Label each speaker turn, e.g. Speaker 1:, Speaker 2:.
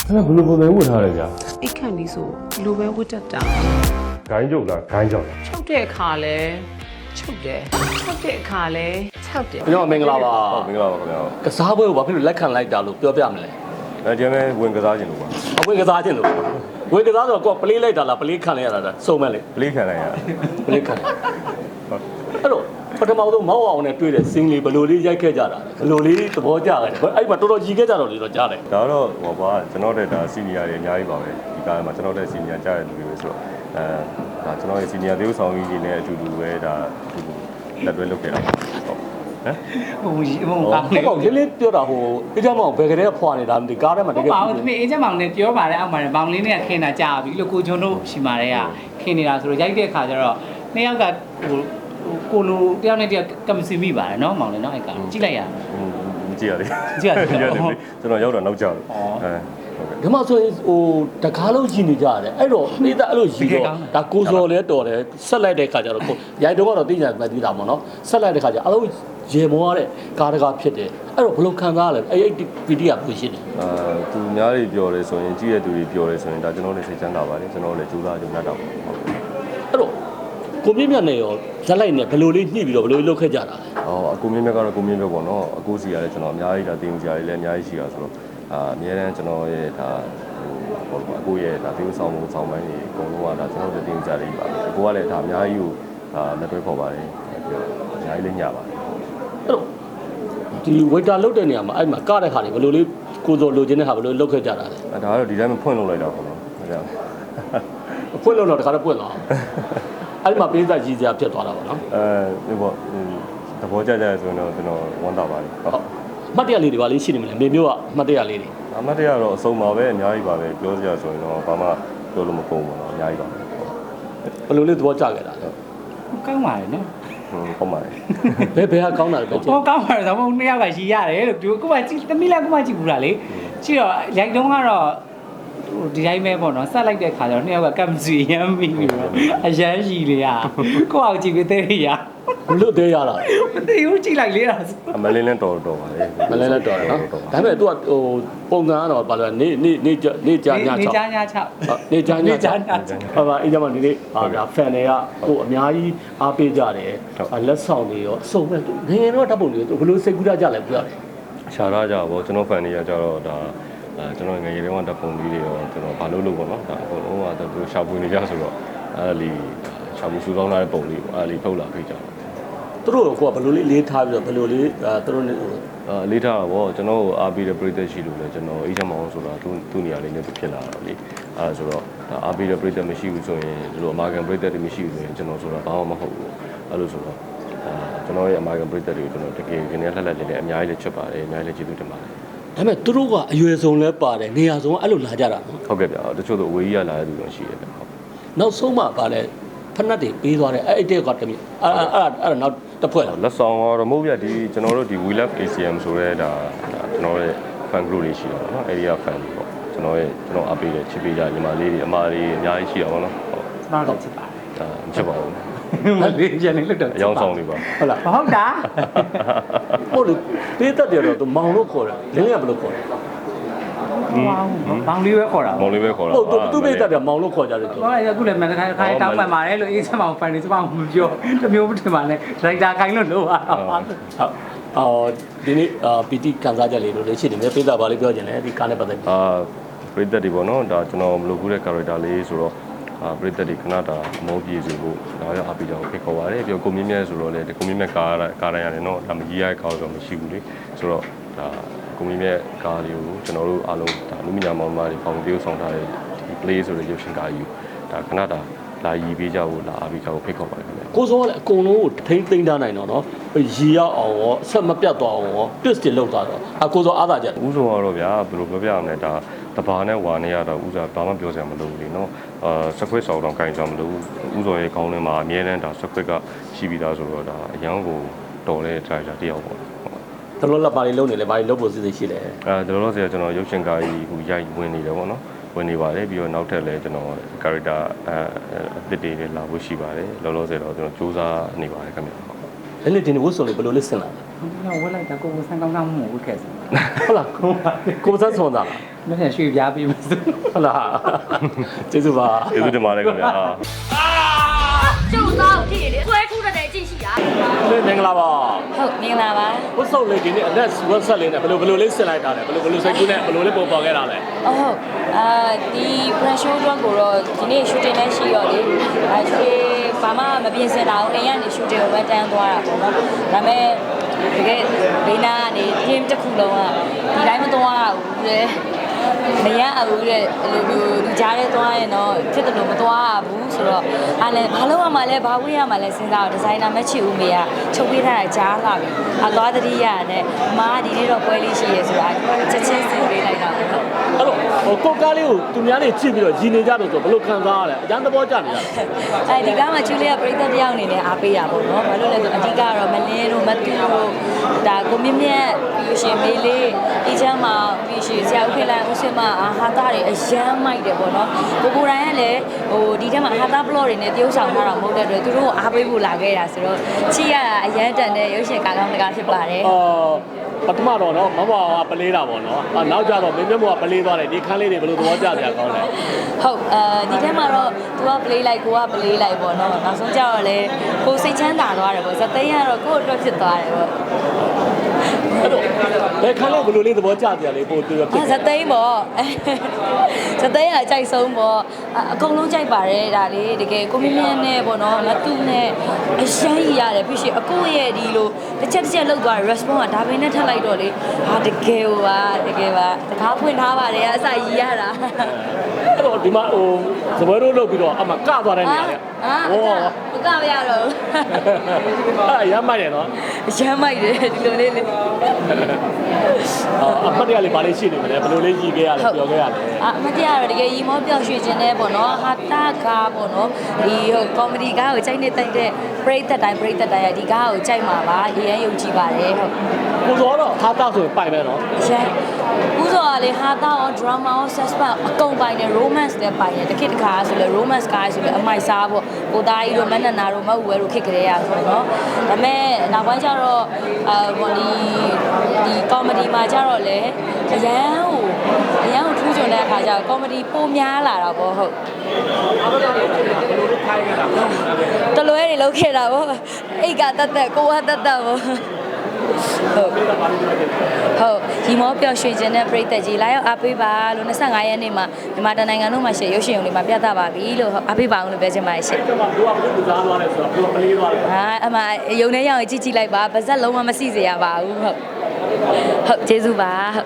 Speaker 1: ဘယ်လိုပုံစံဝတ်ထားလဲဗျာ
Speaker 2: အိတ်ခန့်လေးဆိုဘလိုပဲဝတ်တတ်တာ
Speaker 1: ဂိုင်းကျုပ်လားဂိုင်းကြောက်လား
Speaker 2: ချုပ်တဲ့အခါလဲချုပ်တယ်ချုပ်တဲ့အခါလဲချုပ်တယ်
Speaker 3: ကျွန်တော်မင်္ဂလာပါ
Speaker 1: ဟုတ်မင်္ဂလာပါခင်ဗျာ
Speaker 3: ကစားပွဲကိုဘာဖြစ်လို့လက်ခံလိုက်တာလို့ပြောပြမလဲ
Speaker 1: အဲဒီမဲ့ဝင်ကစားခြင်းလို့ပါ
Speaker 3: အဝင်ကစားခြင်းလို့ဝင်ကစားဆိုတော့ကိုကပလေးလိုက်တာလားပလေးခံလိုက်ရတာလားစုံမဲ့လေ
Speaker 1: ပလေးခံလိုက်ရ
Speaker 3: ပလေးခံအဲ့တော့ပထမဆုံးမောက်အောင်နဲ့တွေ့တဲ့စင်းလေးဘယ်လိုလေးရိုက်ခဲ့ကြတာလဲဘယ်လိုလေးသဘောကျခဲ့တယ်အဲ့မှာတော်တော်ကြီးခဲ့ကြတော့လေတော့ကြားတယ်
Speaker 1: ဒါတော့ဟောပါကျွန်တော်တဲ့ဒါစီနီယာတွေအများကြီးပါပဲဒီကားမှာကျွန်တော်တဲ့စီနီယာကြားတဲ့လူတွေပဲဆိုတော့ဒါကျွန်တော်ရဲ့စီနီယာသေုပ်ဆောင်ကြီးတွေနဲ့အတူတူပဲဒါလက်တွဲလုပ်ခဲ့တာဟုတ်ဟမ်
Speaker 4: ဟိုကောင်း
Speaker 3: ဟုတ်ပေါ့လေးလေးပြောတာဟိုအေးကြမောင်ဘယ်ကလေးဖွာနေတာမသိကားထဲမှာတကယ်
Speaker 4: ပါဘူးသမီးအေးချက်မောင်နဲ့ပြောပါတယ်အောက်မှာလည်းမောင်လေးနဲ့ခင်းတာကြာပြီလို့ကိုကျွန်းတို့ရှိမာတဲ့ကခင်းနေတာဆိုတော့ရိုက်တဲ့အခါကျတော့နှစ်ယောက်ကဟိုကိုလိုတယောက်နဲ့တယောက်ကမစီမိပါတယ်နော်မောင်လေးနော်အဲ့ကောင်ကြည့်လိုက်ရ
Speaker 1: မကြည့်ရလေ
Speaker 4: ကြည့်ရတယ်
Speaker 1: ကျွန်တော်ရောက်တော့နောက်ကျတော့ဟုတ်ကဲ့
Speaker 3: ဒီမှာဆိုရင်ဟိုတကားလုံးကြည့်နေကြရတယ်အဲ့တော့အေးသားအဲ့လိုယူတော့ဒါကိုစော်လဲတော်တယ်ဆက်လိုက်တဲ့ခါကျတော့ကိုရိုက်တော့ကတော့သိကြမှသိတာပေါ့နော်ဆက်လိုက်တဲ့ခါကျအလုံးရေမောရတဲ့ကားတကားဖြစ်တယ်အဲ့တော့ဘယ်လိုခံစားရလဲအဲ့ပီတီကဘူးရှိတယ်
Speaker 1: သူများတွေပြောတယ်ဆိုရင်ကြည့်ရတဲ့သူတွေပြောတယ်ဆိုရင်ဒါကျွန်တော်လည်းစိတ်ချမ်းသာပါတယ်ကျွန်တော်လည်းကြိုးစားကြုံရတော့ဟုတ်
Speaker 3: အဲ့တော့ကိုမြင့်မြတ်နဲ့ရောဇက်လိုက်နဲ့ဘယ်လိုလေးညှိပြီးတော့ဘယ်လိုလေးလုပ်ခဲ့ကြတာလဲ
Speaker 1: အကူမြင့်မြတ်ကတော့ကိုမြင့်မြတ်ပေါ့နော်အကူစီရတယ်ကျွန်တော်အများကြီးဒါတင်ကြရတယ်လည်းအများကြီးရှိတာဆိုတော့အများတန်းကျွန်တော်ရဲ့ဒါဟိုအကူရဲ့ဒါတင်ဆောင်မှုဆောင်ပိုင်းတွေအကုန်လုံးကဒါကျွန်တော်တို့တင်ကြရတယ်ပါအကူကလည်းဒါအများကြီးကိုလက်တွဲခေါ်ပါတယ်အများကြီးလည်းညပါတယ်
Speaker 3: အဲ့တော့ဒီဝေတာလုတ်တဲ့နေရာမှာအဲ့မှာကတဲ့ခါတွေဘယ်လိုလေးကိုစော်လိုချင်တဲ့ခါဘယ်လိုလုပ်ခဲ့ကြတာလဲ
Speaker 1: ဒါကတော့ဒီတိုင်းမဖွင့်လို့လိုက်တာပေါ့နော်ဟုတ်ကဲ့
Speaker 3: အဖွင့်လို့တော့တခါတော့ပွင့်သွားအဲ့ဒီမှာပေးစာကြီးစရာဖြစ်သွားတာပေါ့နော်
Speaker 1: ဒီပေါ့သဘောကျကြရဆိုရင်တော့ကျွန်တော်ဝမ်းသာပါတယ်ဟုတ်
Speaker 3: အမှတ်တရလေးတွေပါလေးရှိနေမလဲမေမျိုးကအမှတ်တရလေးတွေ
Speaker 1: အမတ်တရားတော့အစုံပါပဲအများကြီးပါပဲပြောစရာဆိုရင်တော့ဘာမှပြောလို့မကုန်ဘူးပေါ့နော်အများကြီးပါပဲ
Speaker 3: ဘယ်လိုလေးသဘောကျခဲ့တာလဲ
Speaker 4: ကောင်းပါတယ်နော်
Speaker 1: ဟုတ်ပါတယ်
Speaker 3: ဘယ်ဟာကောင်းတာလဲပဲကြည့်
Speaker 4: ဟိုကောင်းပါတယ်ဆိုတော့နှစ်ယောက်ကရှိရတယ်လို့ဒီကိုကကြည့်သမီးလည်းကိုမကြည့်ဘူးလားလေကြည့်တော့ရိုက်တုံးကတော့ဒီတိုင်းပဲပေါ့နော်ဆက်လိုက်တဲ့ခါကျတော့နှစ်ယောက်ကကပ်မစီရမ်းပြီးတော့အရန်ရှိလေရကိုယ့်အောင်ကြည့်ပြီးသေးရ
Speaker 3: ဘလို့သေးရတာ
Speaker 4: မသိဘူးကြည့်လိုက်လေတာဆို
Speaker 1: အမလင်းလည်းတော်တော်ပါလေ
Speaker 3: မလဲလဲတော်တယ်နော်ဒါပေမဲ့ तू ကဟိုပုံစံကတော့ဘာလဲနေကြာည
Speaker 4: နေ
Speaker 3: 6
Speaker 4: ကြညချ
Speaker 3: နေကြာည
Speaker 4: နေကြည
Speaker 3: 6ဟာပါအေးကြမှာဒီနေ့ဟာဗျာဖန်တွေကဟိုအများကြီးအားပေးကြတယ်လက်ဆောင်တွေရောအစုံမဲ့ငယ်ငယ်တော့ဓာတ်ပုံတွေဘယ်လိုစိတ်ကူးကြလဲပြောရတယ်
Speaker 1: ရှားရကြပါကျွန်တော်ဖန်တွေကကြတော့ဒါကျွန်တော်ငယ်ငယ်တုန်းကတပ်ပုံလေးတွေရောကျွန်တော်ဘာလို့လို့ပေါ့နော်ဒါအကုန်လုံးကသူရှာဖွေနေကြဆိုတော့အဲ့လီရှာဖွေစူးစောင်းလာတဲ့ပုံလေးပေါ့အဲ့လီထုတ်လာပေးကြတယ်
Speaker 3: သူတို့ကဘယ်လိုလေးလေးထားပြီးတော့ဘယ်လိုလေးသူတို့
Speaker 1: လေးထားတာပေါ့ကျွန်တော်အားပေးတဲ့ပရိသတ်ရှိလို့လေကျွန်တော်အေးချမောင်းဆိုတာသူ့နေရာလေးနဲ့ဖြစ်လာတာလေအဲ့ဆိုတော့အားပေးတဲ့ပရိသတ်မရှိဘူးဆိုရင်ဒီလိုအမာကန်ပရိသတ်တွေမရှိဘူးဆိုရင်ကျွန်တော်ဆိုတာဘာမှမဟုတ်ဘူးအဲ့လိုဆိုတော့ကျွန်တော်ရဲ့အမာကန်ပရိသတ်တွေကိုကျွန်တော်တကယ်ခင်းနေလှက်လှက်လေးနဲ့အများကြီးလည်းချစ်ပါတယ်အများကြီးလည်းကျေးဇူးတင်ပါတယ်
Speaker 3: ဒါပေမဲ့သူတို့ကအရွယ်ဆုံးလဲပါတယ်နေရာဆုံးအဲ့လိုလာကြတာနော်
Speaker 1: ဟုတ်ကဲ့ဗျာတချို့တော့အဝေးကြီးကလာတဲ့လူတွေရှိတယ်ဗျဟုတ်
Speaker 3: နောက်ဆုံးမှပါလဲဖက်နှက်တွေပေးသွားတယ်အဲ့တဲ့ကတည်းကအဲ့နောက်တစ်ဖွဲ့လား
Speaker 1: လက်ဆောင်တော့မဟုတ်ဗျဒီကျွန်တော်တို့ဒီ We Love ACM ဆိုတဲ့ဒါကျွန်တော်ရဲ့ fan group လေးရှိတာပေါ့နော် area fan ပေါ့ကျွန်တော်အားပေးတဲ့ချစ်ပေးကြညီမလေးတွေအမလေးအများကြီးရှိတာပေါ့နော်ဟုတ်
Speaker 4: တော့တော့ချစ်ပါ
Speaker 1: ချစ်ပါဘူး
Speaker 4: မလေးပြန်နေလို့တော့
Speaker 1: အယောင်ဆောင်နေပါ
Speaker 3: ဟုတ်လား
Speaker 4: ဟုတ်တာ
Speaker 3: ဟုတ်တယ်ပေးတတ်တယ်တော့မောင်လို့ခေါ်တယ်လင်းလင်းကဘယ်လိုခေါ်လဲ
Speaker 4: ဘောင်လေးပဲခေါ်တာ
Speaker 1: မောင်လေးပဲခေါ်တာ
Speaker 3: ဟုတ်သူပေးတတ်တယ်မောင်လို့ခေါ်ကြတယ်သူ
Speaker 4: ဟောရခုလည်းမန်တခိုင်းတောင်းပန်ပါတယ်လို့အေးစမောင်ဖန်နေစမောင်မပြောတမျိုးမထင်ပါနဲ့ဒရိုက်တာခိုင်းလို့လို့ပါ
Speaker 3: ဟုတ်ဒီနေ့ပီတီကန်စားချက်လေးလို့လည်းရှိတယ်မြေပေးတာပါလေးပြောချင်တယ်ဒီကားနဲ့ပတ်သက်ပြီး
Speaker 1: ပရိသတ်တွေပေါ့နော်ဒါကျွန်တော်မလုပ်ဘူးတဲ့ character လေးဆိုတော့ပရိသတ်တွေခဏတာအမောပြေစီဖို့ဒါလည်းအားပေးကြအောင်ဖိတ်ခေါ်ပါတယ်ပြီးတော့ကိုမြင့်မြတ်ဆိုတော့လေကိုမြင့်မြတ်ကားတိုင်းရတယ်နော်ဒါမကြီးရတဲ့ကားတော့မရှိဘူးလေဆိုတော့ဒါကိုမြင့်မြတ်ကားလေးကိုကျွန်တော်တို့အားလုံးဒါလူမညာမောင်မာတွေပေါင်းတရုပ်ဆောင်ထားတဲ့ဒီ play ဆိုတဲ့ရုပ်ရှင်ကားကြီးဒါခဏတာလာရည်ပေးကြဖို့လာအားပေးကြဖို့ဖိတ်ခေါ်ပါတယ်ခင်ဗျ
Speaker 3: ကိုစောကလည်းအကုန်လုံးကိုထိမ့်သိမ့်ထားနိုင်တော့နော်ရီရောက်အောင်ရောအဆက်မပြတ်သွားအောင်ရော twist တွေလောက်သွားတော့ကိုစောအားသာချက်
Speaker 1: ဥဆုံးကတော့ဗျာဘယ်လိုပြောပြရမလဲဒါတဘာနဲ့ဝါနဲ့ရတော့ဥစားဘာမှပြောစရာမလိုဘူးလေနော်စခွက်ဆောင်တော့ကင်ဆောင်မလို့ဥစောရဲ့ကောင်းထဲမှာအမြဲတမ်းဒါစခွက်ကရှိပြီးသားဆိုတော့ဒါအရန်ကိုတော်တဲ့ driver တယောက်ပေါ့
Speaker 3: တလို့လက်ပါလေးလုံးနေလေဘာလေးလုံးဖို့စီစဉ်ရှိလဲ
Speaker 1: ကျွန်တော်တို့ဆိုကျွန်တော်ရုပ်ရှင်ကားကြီးဟိုရိုက်ဝင်နေတယ်ပေါ့နော်ဝင်နေပါတယ်ပြီးတော့နောက်ထပ်လည်းကျွန်တော် character အသစ်တွေလည်းလာဖို့ရှိပါတယ်လောလောဆယ်တော့ကျွန်တော်စူးစမ်းနေပါတယ်ခင်ဗျ
Speaker 3: အဲ့လေဒီနေ့ဝတ်စုံလေးဘယ်လိုလေးဆင်လာလဲ
Speaker 4: ဝက်လိုက်တာကိုယ်ဆန်းကောင်းကောင်းမှုဝက်ခဲ့စမ်း
Speaker 3: ဟုတ်လားကိုစမ်းဆွန်တာလား
Speaker 4: မင်းရွှေပြားပြီးမစို့
Speaker 3: ဟုတ်လားကျေးဇူးပါ
Speaker 1: ကျေးဇူးတင်ပါတယ်ခင်ဗျာ
Speaker 5: ကျုပ်သားကိုဖြစ်ရလေဆွဲခုတည်းကြည့်ရှိတာ
Speaker 3: မင်္ဂလာပါ
Speaker 5: ဟုတ်မင်္ဂလာပါ
Speaker 3: ဝတ်စုံလေးဒီနေ့အလက်ဝတ်ဆက်လေးနဲ့ဘယ်လိုလေးဆင်လိုက်တာလဲဘယ်လိုစိတ်ကူးနဲ့ဘယ်လိုလေးပုံပေါ်ခဲ့တာလဲ
Speaker 5: ဟုတ်ဒီ brand show တော့ကိုတော့ဒီနေ့ shooting လည်းရှိရောလေရွှေဘာမှမပြင်ဆင်တာဘူးအိမ်ကနေ shooting ကိုပဲတန်းသွားတာပေါ့နော်ဒါပေမဲ့တကယ်ဘေးနာကနေ team တစ်ခုလုံးကဒီတိုင်းမသွားဘူးလေမရဘူးတဲ့အဲ့လိုမျိုးဒီကြားထဲသွားရင်တော့ဖြစ်တယ်လို့မသွားဘူးဆိုတော့အားလည်းဘာလို့ရမှာလဲဘာဝေးရမှာလဲစဉ်းစားတော့ဒီဇိုင်နာမချစ်ဦးမေကချုပ်ပေးထားတာကြားလာပြီသွားတတိယနဲ့အမားဒီနေ့တော့ပွဲလေးရှိရဲဆိုတာချက်ချင်းစဉ်းပေးလိုက်တာပေါ့နော်
Speaker 3: အဲ့တော့ကိုကားလေးကိုသူများတွေကြည့်ပြီးတော့ရည်နေကြတော့ဆိုဘယ်လိုခံစားရလဲအကျန်းသဘောကျနေရလဲ
Speaker 5: အဲဒီကားမှာကျူလီယာပရိသတ်တယောက်အနေနဲ့အားပေးတာပေါ့နော်ဘာလို့လဲဆိုအဓိကတော့မလင်းတို့မတူတို့ဒါကိုမြင့်မြတ်ပြီးရှင်မေးလေးအေချမ်းမှာပြီးရှင်ဆရာဦးခေလန်ဦးစင်မဟာသားတွေအရန်မိုက်တယ်ပေါ့နော်ကိုတိုင်းကလည်းဟိုဒီထဲမှာဟာသားဘလော့တွေနဲ့တရုပ်ဆောင်ထားတာမဟုတ်တဲ့အတွက်သူတို့ကိုအားပေးဖို့လာခဲ့တာဆိုတော့ချီရတာအရန်တန်တဲ့ရုပ်ရှင်ကားကောင်းတကားဖြစ်ပါတယ်
Speaker 3: ပထမတော့နော်မမကပလေးတာပေါ့နော်နောက်ကျတော့မင်းမြတ်မို့ကပလေးသွားတယ်ဒီခန်းလေးတွေဘယ်လိုသဘောကျစရာကောင်းလဲ
Speaker 5: ဟုတ်ဒီထဲမှာတော့ तू က play လိုက်ကိုက play လိုက်ပေါ့နော်နောက်ဆုံးကျတော့လေကိုစိတ်ချမ်းသာသွားတယ်ပေါ့ဇသိန်းကတော့ကို့အတွက်ဖြစ်သွားတယ်ပေါ့
Speaker 3: အဲ့တော့ဘယ်ခန်းလေးဘယ်လိုလေးသဘောကျစရာလေးပို့ပြီးတော့ဖြစ်
Speaker 5: ဇသိန်းပေါ့ဇသိန်းကကြိုက်ဆုံးပေါ့အကုန်လုံးကြိုက်ပါတယ်ဒါလေးတကယ်ကိုမင်းမြတ်နဲ့ပေါ့နော်မတူနဲ့အရှမ်းကြီးရတယ်ပြီးရှင်အကိုရဲ့ဒီလိုတစ်ချက်လောက်သွားတယ် response ကဒါပဲနဲ့ထပ်လိုက်တော့လေဟာတကယ်ပါတကယ်ပါတကားဖွင့်ထားပါတယ်အစကြီးရတာ
Speaker 3: အဲ့တော့ဒီမှာဟိုစပွဲတို့လုပ်ပြီးတော့အမကသွားတဲ့နေရာလေ
Speaker 5: ဟောမကမရတော့
Speaker 3: အဲ့ရမ်းမိုက်တယ်နော်
Speaker 5: ရမ်းမိုက်တယ်ဒီလိုလေးလေ
Speaker 3: အမှတ်တရလေးဗာလေးရှိနေမလဲဘယ်လိုလေးကြီးခဲ့ရလဲပြောခဲ့ရလဲ
Speaker 5: အမတရားတော့တကယ်ရီမောပျော်ရွှင်ခြင်းနဲ့ပေါ့နော်ဟာတာကားပေါ့နော်ဒီဟိုကောမဒီကားကိုကြိုက်နေတိုက်တဲ့ပရိသတ်တိုင်းရဒီကားကိုကြိုက်မှာပါအရင်ယုံကြည်ပါတယ်ဟုတ်
Speaker 3: ကိုစောတော့ဟာတာဆိုပိုင်မယ်နော်
Speaker 5: အရင်ဦးစောကလေဟာတာရော drama ရော suspense အကုန်ပိုင်တယ် romance လည်းပိုင်တယ်တစ်ခေတ်တစ်ခါဆိုလေ romance ကားဆိုလေအမိုက်စားပေါ့ကိုသားကြီးတို့မနနာတို့မဟုတ်ဝဲတို့ခစ်ကြရရဆိုတော့ဒါပေမဲ့နောက်ပိုင်းကျတော့ဟိုဒီကောမဒီမှာကျတော့လေအရန်ကိုထူးချွန်တဲ့အခါကျတော့ကောမဒီပိုများလာတာပေါ့ဟုတ်တလွဲတွေလောက်ခဲ့တာပေါ့အိတ်ကတက်ကိုကတက်ပေါ့ဟုတ်ဒီမောပျော်ရွှင်ခြင်းနဲ့ပြည်သက်ကြီးလာရောက်အားပေးပါလို့25ရက်နေ့မှာမြန်မာတိုင်းနိုင်ငံလုံးမှာရှေ့ရုပ်ရှင်ရုံတွေမှာပြသပါပြီလို့အားပေးပါအောင်လို့ပြောချင်ပါတယ်ရှင့်
Speaker 3: ဒီမှာတို့ကဘယ်လိုစားသွားလဲဆိုတော့တို့ကပလေးသွားတယ်
Speaker 5: အမရုံထဲရောက်ရင်ကြည့်လိုက်ပါဗဇက်လုံးဝမစီစေရပါဘူးဟုတ်ကျေးဇူးပါ